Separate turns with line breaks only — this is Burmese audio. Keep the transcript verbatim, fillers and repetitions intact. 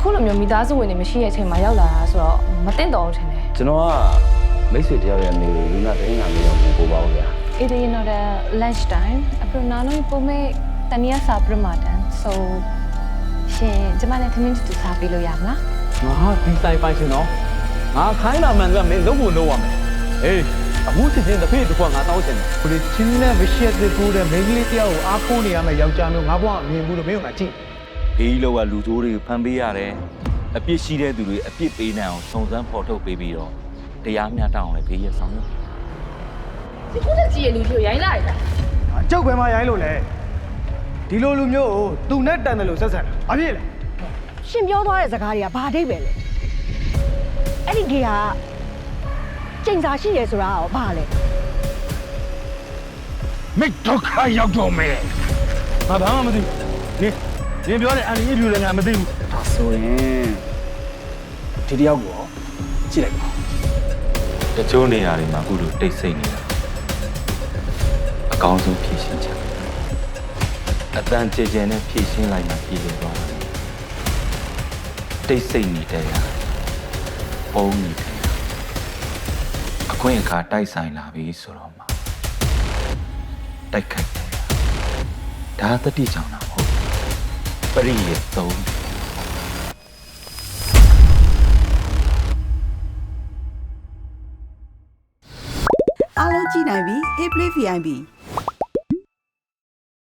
အခုလိုမျိုးမိသားစုဝင်တွေမရှိတဲ့အချိန်မှာရောက်လာတာဆိုတော့မတင်တော့ဘူးထင်တယ်
ကျွန်တော်ကမိတ်ဆွေတယောက်ရဲ့အမေကိုလူနာတိုင်းလာပြီးတော့ပို့ပါဦးဗျာ
It is not a lunch time အခုနာနိုပုံမဲ့တနည်းစားပြမတန် so ရှင်ကျမနဲ့သမင်းတူစားပေးလို့ရမလား
ငါဒီဆိုင်ပိုင်ရှင်နော်ငါခိုင်းလာမှန်ကမင်းလုံးဖို့လုံးရမယ်ဟေးအခုစစ်ချင်းတစ်ဖေးတစ်ခွက်ငါတောင်းချင်တယ်
ကိုလေးချင်းနဲ့မရှိတဲ့ကိုတဲ့မိန်းကလေးတယောက်ကိုအားကိုးနေရမယ်ယောက်ျားမျိုးငါဘွားအမြင်ဘူးလို့မင်းကငါကြည့်
ဘေးလောကလူဆိုးတွေကိုဖမ်းပေးရတယ်အပြစ်ရှိတဲ့သူတွေအပြစ်ပေးနိုင်အောင်စုံစမ်းဖော်ထုတ်ပေးပြီးတော့တရားမျှတအောင်လည်းဘေးရဆောင်ရွက်
ဒီခုတက်ကြီးရဲ့လူကြီးကိုရိုင်းလိုက်တာ
ကျုပ်ပဲမရိုင်းလို့လေဒီလိုလူမျိုးကိုသူနဲ့တန်တယ်လို့ဆက်ဆံတာဘာဖြစ်လဲ
ရှင်ပြောသွားတဲ့စကားတွေကဘာအဓိပ္ပာယ်လဲအဲ့ဒီကေကကျိန်စာရှိရဲဆိုတာရောဘာလဲ
မိတ်ဒုက္ခရောက်တော့မယ်ငါဘာမှမသိဘူးနင်နင်ပြောတဲ့အန်ဒီလူလည်းငါမသိဘူး
ဒါဆိုရင်ဒီတယောက်ကိုကြည့်လိုက်ပါ
တချို့နေရာတွေမှာအခုလိုတိတ်ဆိတ်နေတာအကောင်းဆုံးဖြည့်ရှင်းချက်အတန်ကြဲကြဲနဲ့ဖြည့်ရှင်းလိုက်မှပြည်လို့သွားတယ်တိတ်ဆိတ်နေတဲ့ရာပုံနေတယ်အခွင့်အခါတိုက်ဆိုင်လာပြီဆိုတော့မှတိုက်ခိုက်တယ်ဒါတတိကြောင့်တော့ဟုတ်ပရိယေသုံး
အားလုံးကြည့်နိုင်ပြီ Hey Play ဗီ အိုင် ပီ